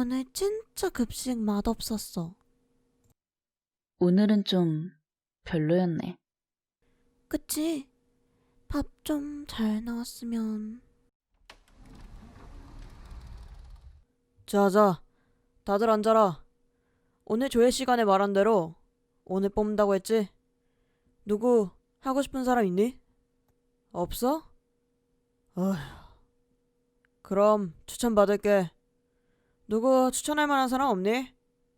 오늘 진짜 급식 맛없었어. 오늘은 좀 별로였네. 그치? 밥 좀 잘 나왔으면. 자자, 다들 앉아라. 오늘 조회 시간에 말한 대로 오늘 뽑는다고 했지? 누구 하고 싶은 사람 있니? 없어? 어휴, 그럼 추천 받을게. 누구 추천할 만한 사람 없니?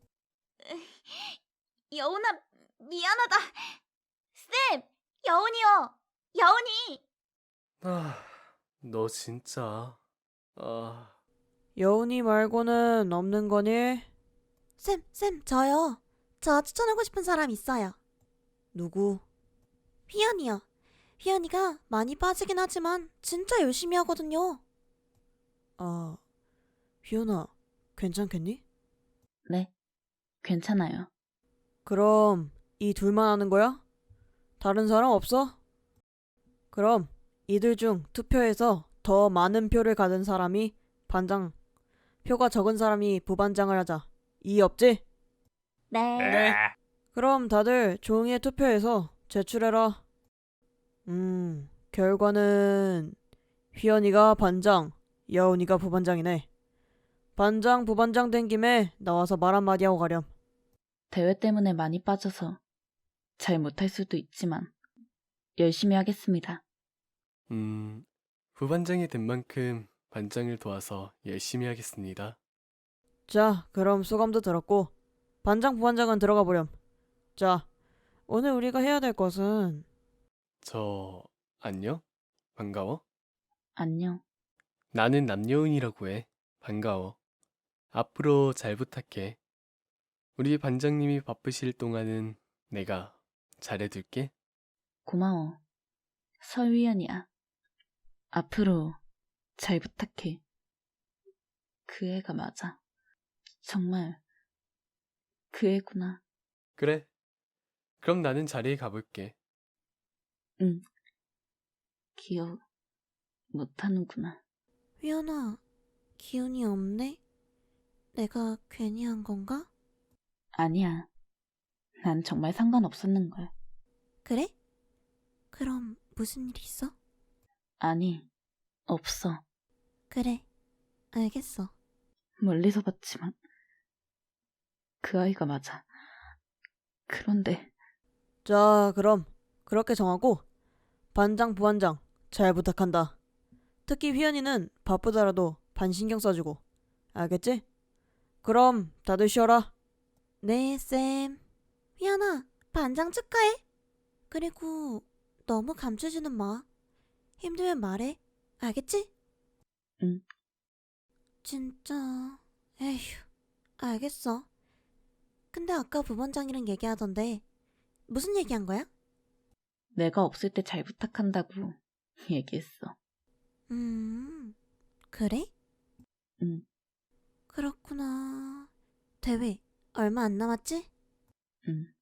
여운아, 미안하다. 쌤, 여운이요. 여운이. 너 진짜. 아, 여운이 말고는 없는 거니? 쌤, 저요. 저 추천하고 싶은 사람 있어요. 누구? 휘연이요. 휘연이가 많이 빠지긴 하지만 진짜 열심히 하거든요. 아, 휘연아, 괜찮겠니? 네, 괜찮아요. 그럼 이 둘만 하는 거야? 다른 사람 없어? 그럼 이들 중 투표해서 더 많은 표를 가진 사람이 반장, 표가 적은 사람이 부반장을 하자. 이의 없지? 네. 그럼 다들 종이에 투표해서 제출해라. 결과는 휘연이가 반장, 여운이가 부반장이네. 반장, 부반장 된 김에 나와서 말 한마디 하고 가렴. 대회 때문에 많이 빠져서 잘 못할 수도 있지만 열심히 하겠습니다. 부반장이 된 만큼 반장을 도와서 열심히 하겠습니다. 자, 그럼 소감도 들었고 반장, 부반장은 들어가 보렴. 자, 오늘 우리가 해야 될 것은 안녕? 반가워? 안녕. 나는 남여운이라고 해. 반가워. 앞으로 잘 부탁해. 우리 반장님이 바쁘실 동안은 내가 잘해둘게. 고마워. 설위연이야. 앞으로 잘 부탁해. 그 애가 맞아. 정말 그 애구나. 그래. 그럼 나는 자리에 가볼게. 응. 기억 못하는구나. 휘연아, 기운이 없네? 내가 괜히 한 건가? 아니야. 난 정말 상관없었는걸. 그래? 그럼 무슨 일 있어? 아니, 없어. 그래, 알겠어. 멀리서 봤지만 그 아이가 맞아. 그런데 자, 그럼 그렇게 정하고 반장, 부반장 잘 부탁한다. 특히 휘연이는 바쁘더라도 반 신경 써주고. 알겠지? 그럼 다들 쉬어라. 네, 쌤. 휘연아, 반장 축하해. 그리고 너무 감추지는 마. 힘들면 말해. 알겠지? 응. 진짜... 에휴, 알겠어. 근데 아까 부반장이랑 얘기하던데 무슨 얘기한 거야? 내가 없을 때 잘 부탁한다고 얘기했어. 그래? 응. 그렇구나. 대회 얼마 안 남았지? 응.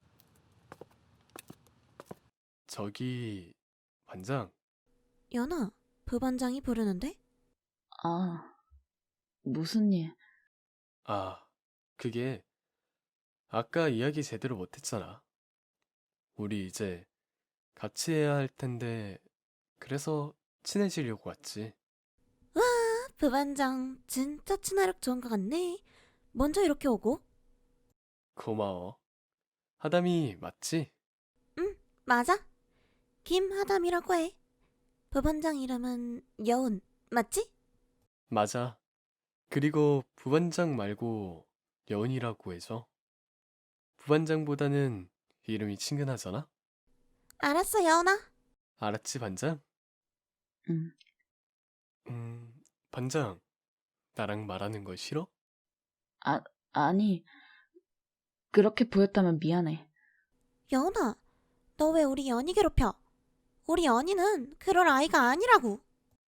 저기, 반장. 연아, 부반장이 부르는데? 아, 무슨 일? 아, 그게 아까 이야기 제대로 못했잖아. 우리 이제 같이 해야 할 텐데, 그래서 친해지려고 왔지. 와, 부반장 진짜 친화력 좋은 것 같네. 먼저 이렇게 오고. 고마워. 하담이 맞지? 응, 맞아. 김하담이라고 해. 부반장 이름은 여운, 맞지? 맞아. 그리고 부반장 말고 여운이라고 해줘. 부반장보다는 이름이 친근하잖아? 알았어, 여운아. 알았지, 반장? 응. 반장, 나랑 말하는 거 싫어? 아니, 그렇게 보였다면 미안해. 여운아, 너 왜 우리 연희 괴롭혀? 우리 연희는 그럴 아이가 아니라고.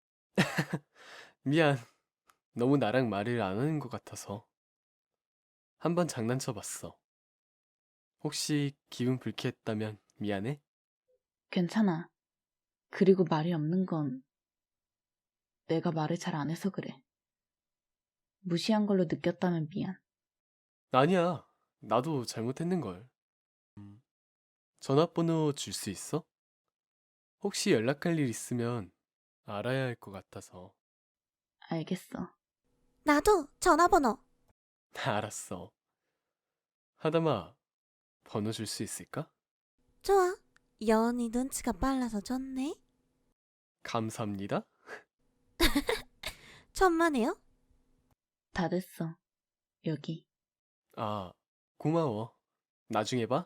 미안. 너무 나랑 말을 안 하는 것 같아서. 한번 장난쳐봤어. 혹시 기분 불쾌했다면 미안해? 괜찮아. 그리고 말이 없는 건 내가 말을 잘 안 해서 그래. 무시한 걸로 느꼈다면 미안. 아니야. 나도 잘못했는걸. 전화번호 줄 수 있어? 혹시 연락할 일 있으면 알아야 할 것 같아서. 알겠어. 나도 전화번호. 알았어. 하다마, 번호 줄 수 있을까? 좋아. 여운이 눈치가 빨라서 좋네. 감사합니다. 천만에요. 다 됐어. 여기. 아, 고마워. 나중에 봐.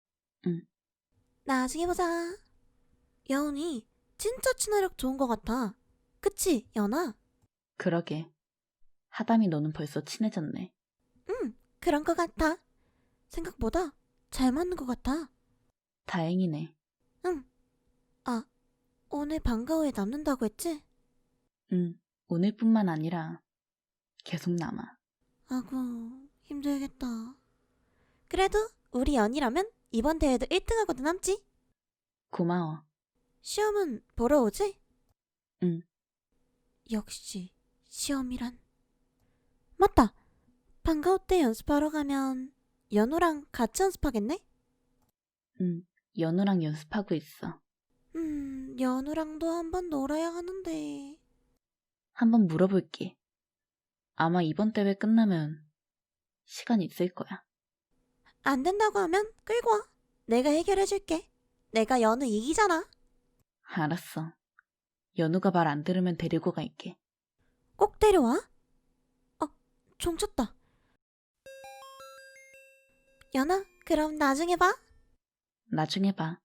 나중에 보자. 여운이 진짜 친화력 좋은 것 같아. 그치, 연아? 그러게. 하담이 너는 벌써 친해졌네. 응, 그런 것 같아. 생각보다 잘 맞는 것 같아. 다행이네. 응. 아, 오늘 방과 후에 남는다고 했지? 응. 오늘뿐만 아니라 계속 남아. 아구, 힘들겠다. 그래도 우리 연이라면 이번 대회도 1등하고도 남지? 고마워. 시험은 보러 오지? 응. 역시 시험이란. 맞다. 방과 후 때 연습하러 가면 연우랑 같이 연습하겠네? 응. 연우랑 연습하고 있어. 연우랑도 한번 놀아야 하는데. 한번 물어볼게. 아마 이번 대회 끝나면 시간 있을 거야. 안 된다고 하면 끌고 와. 내가 해결해줄게. 내가 연우 이기잖아. 알았어. 연우가 말 안 들으면 데리고 갈게. 꼭 데려와. 종 쳤다. 연아, 그럼 나중에 봐. 나중에 봐.